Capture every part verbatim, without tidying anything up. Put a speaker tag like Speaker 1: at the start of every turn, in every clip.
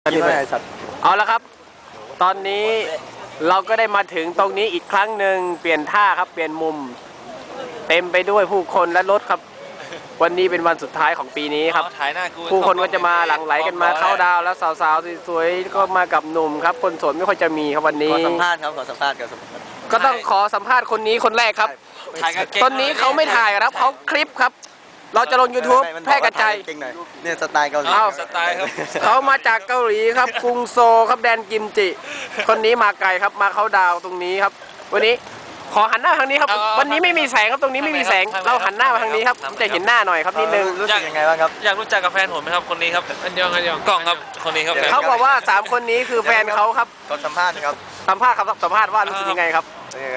Speaker 1: เอาละครับตอนนี้เราก็ได้มาถึงตรงนี้อีกครั้งหนึ่งเปลี่ยนท่าครับเปลี่ยนมุมเต็มไปด้วยผู้คนและรถครับวันนี้เป็นวันสุดท้ายของปีนี้ครับผู้คนก็จะมาหลั่งไหลกันมาเข้าดาวแล้วสาวๆสวยๆก็มากับหนุ่มครับคนโสดไม่ค่อยจะมีครับวันนี้
Speaker 2: ขอสัมภาษณ์ครับขอสัมภาษณ์กับ
Speaker 1: ก็ต้องขอสัมภาษณ์คนนี้คนแรกครับตอนนี้เขาไม่ถ่ายครับเขาคลิปครับเราจะลง ยูทูบ แพร่กระจาย
Speaker 2: เนี่ยสไตล์เกาหลี
Speaker 1: สไตล์ครับเขามาจากเกาหลีครับกรุงโซลครับแดนกิมจิคนนี้มาไกลครับมาเขาดาวตรงนี้ครับวันนี้ขอหันหน้าทางนี้ครับวันนี้ไม่มีแสงครับตรงนี้ไม่มีแสงเราหันหน้ามาทางนี้ครับจะเห็นหน้าหน่อยครับนิดนึง
Speaker 2: รู้สึกยังไงบ้างครับ
Speaker 3: อยากรู้จักกับแฟนผมไหมครับคนนี้ครับอันยองอันยองกล่องครับคนนี้ครับ
Speaker 1: เขาบอกว่าสามคนนี้คือแฟนเขาครับ
Speaker 2: ขอสัมภาษณ์ครับ
Speaker 1: สัมภาษณ์ครับสัมภาษณ์ว่ารู้สึกยังไงครับ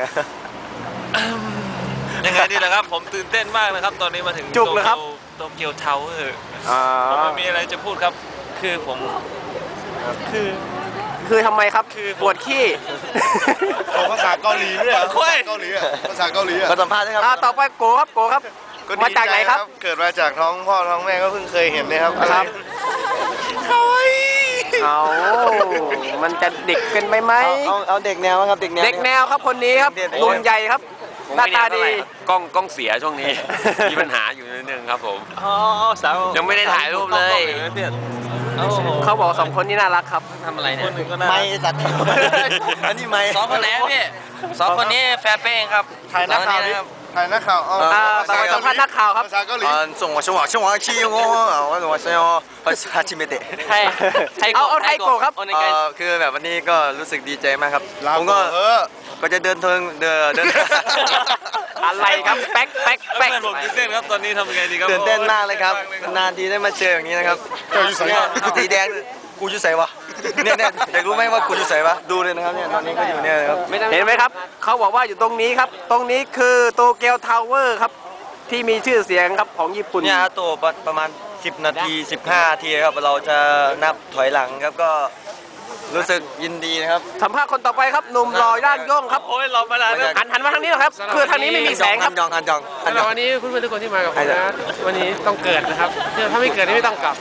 Speaker 3: ยังไงดีล่ะครับผมตื่นเต้นมากนะครับตอนนี้มาถึง
Speaker 1: จุกเลยครับ
Speaker 3: โตเกียวทาวเวอร์ผมไม่มีอะไรจะพูดครับคือผมคือ
Speaker 1: คือทำไมครับคือปวดขี้
Speaker 4: ภาษาเกาหลีด้วยเกาหลีอ่ะภาษาเกาหลีอ่ะ
Speaker 2: ขอสัมภาษณ์ครับ
Speaker 1: ต่อไปโกครับโกครับมาจากไหนครับ
Speaker 4: เกิดมาจากท้องพ่อท้องแม่ก็เพิ่งเคยเห็นนะครับ
Speaker 1: ครับ
Speaker 4: เขา
Speaker 1: เอามันจะเด็กเกินไปไหม
Speaker 2: เอาเอาเด็กแนวครับเด็กแนว
Speaker 1: เด็กแนวครับคนนี้ครับลุงใหญ่ครับหน้าตาดี
Speaker 5: กล้องกล้องเสียช่วงนี้มีปัญหาอยู่นิดนึงครับผม
Speaker 3: อ๋อสาว
Speaker 5: ยังไม่ได้ถ่ายรูปเลย
Speaker 1: เขาบอกสองคนนี้น่ารักครับ
Speaker 3: ทำอะไรเนี่ย
Speaker 2: ไม่จัดอันนี้ไม่
Speaker 3: สองคนแล้วพี่สองคนนี้แฟนเป้งครับ
Speaker 4: ถ่ายนักข่าวครับถ่ายนักข่าวเอา
Speaker 1: ต่อไปสัมภาษณ์นักข่าวครับ
Speaker 4: ภาษาเกาหลี
Speaker 2: ส่งว่าช่วงว่าช่วงว่าชี้งอว่าส่งว่าช่วงว่าภาษาชิเมเตะ
Speaker 1: เอาเอาไทยโกครับ
Speaker 2: คือแบบวันนี้ก็รู้สึกดีใจมากครับผมก็ก็จะเดินทางเดินเดิน
Speaker 1: อะไรครับแป๊กแป๊กแป๊ก
Speaker 3: ผมตื่นเต้นครับตอนนี้ทำยังไงดีครับ
Speaker 2: ตื่นเต้นมากเลยครับนานทีได้มาเจออย่างนี้นะครับสีแดงกูจะใส่วะเนี่ยเนี่ยอยากรู้ไหมว่ากูจะใส่วะดูเลยนะครับเนี่ยตอนนี้ก็อยู่เนี่ยครับ
Speaker 1: เห็นไหมครับเขาบอกว่าอยู่ตรงนี้ครับตรงนี้คือโตเกียวทาวเวอร์ครับที่มีชื่อเสียงครับของญี่ปุ่น
Speaker 2: เนี่ยโตประมาณสิบนาทีสิบห้านาทีครับเราจะนับถอยหลังครับก็รู้สึกยินดีนะครับ
Speaker 1: สัมภาษณ์คนต่อไปครับหนุ่มหล่อย่างย่งครับ
Speaker 3: โอ้ยรอมานานแล้ว
Speaker 1: หันหันมาทางนี้หรอครับคือทางนี้ไม่มีแสงครับ
Speaker 2: ยองหันยอง
Speaker 3: วันนี้เพื่อนๆทุกคนที่มากับผมนะวันนี้ต้องเกิดนะครับถ้าไม่เกิดนี่ไม่ต้องกลับ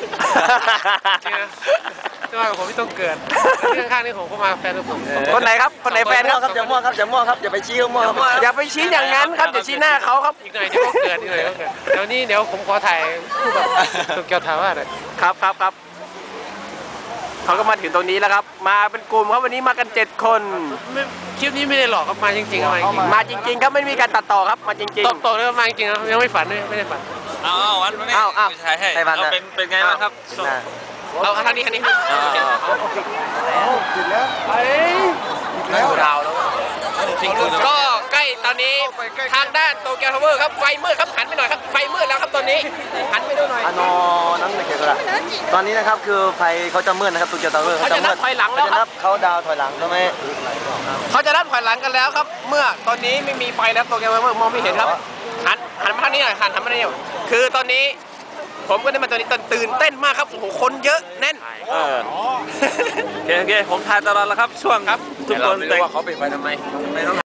Speaker 3: ที่มากับผมไม่ต้องเกิดที่ข้างๆนี่ผมก็มาแฟนทุกคน
Speaker 1: คนไหนครับคนไหนแฟนครับ
Speaker 2: อย่ามั่วครับอย่ามั่วครับอย่าไปชี้มั่วครับ
Speaker 1: อย่าไปชี้อย่างนั้นครับอย่าชี้หน้าเขาครับ
Speaker 3: อีกหน่อยเดี๋ยวก็เกิดอีกหน่อยก็เกิดเดี๋ยวนี้เดี๋ยวผมขอถ่ายคู่กับโตเกียวทาวเวอร์เลย
Speaker 1: ครับครับครับเขาก็มาถึงตรงนี้แล้วครับมาเป็นกลุ่มครับวันนี้มากันเจ็ดคน
Speaker 3: คลิปนี้ไม่ได้หลอกครับมาจริงๆครับ
Speaker 1: มาจริงๆครับไม่มีการตัดต่อครับมาจริงๆ
Speaker 3: ตัดต่อเลยมาจริงๆครับยังไม่ฝันเลยไม่ได้ฝันเอาเอาวันนี้เอาเอาใช่ให้เอาเป็นเป็นไงบ้างครับเอาทางนี้ทางนี้
Speaker 4: ติดแล้ว
Speaker 1: ไปแล้วดาวแล้วก็ใกล้ตอนนี้ทางด้านโตเกียวทาวเวอร์ครับไฟมืดครับหันไปหน่อยครับไฟมืดแล้วครับตอนนี้หันไปดูหน่อย
Speaker 2: อ่ะนอนั่นเลยเกี่ยวกับตอนนี้นะครับคือไฟเขาจะมืดนะครับโตเกียวทาวเวอร์
Speaker 1: เขาจะนับถอยหลังแล้วครับ
Speaker 2: เขาดาวถอยหลังใช่ไหม
Speaker 1: เขาจะนับถอยหลังกันแล้วครับเมื่อตอนนี้ไม่มีไฟแล้วโตเกียวทาวเวอร์มองไม่เห็นครับหันหันมาทางนี้หน่อยหันหันมาทางนี้คือตอนนี้ผมก็ได้มาตอนนี้ตื่นเต้นมากครับโอ้โหคนเยอะแน่น
Speaker 3: เออโอเคโอเคผมถ่ายตลอดแล้วครับช่วงครับ
Speaker 5: ทุกคนแต่ว่าเขาปิดไฟทำไมไม่ต้อง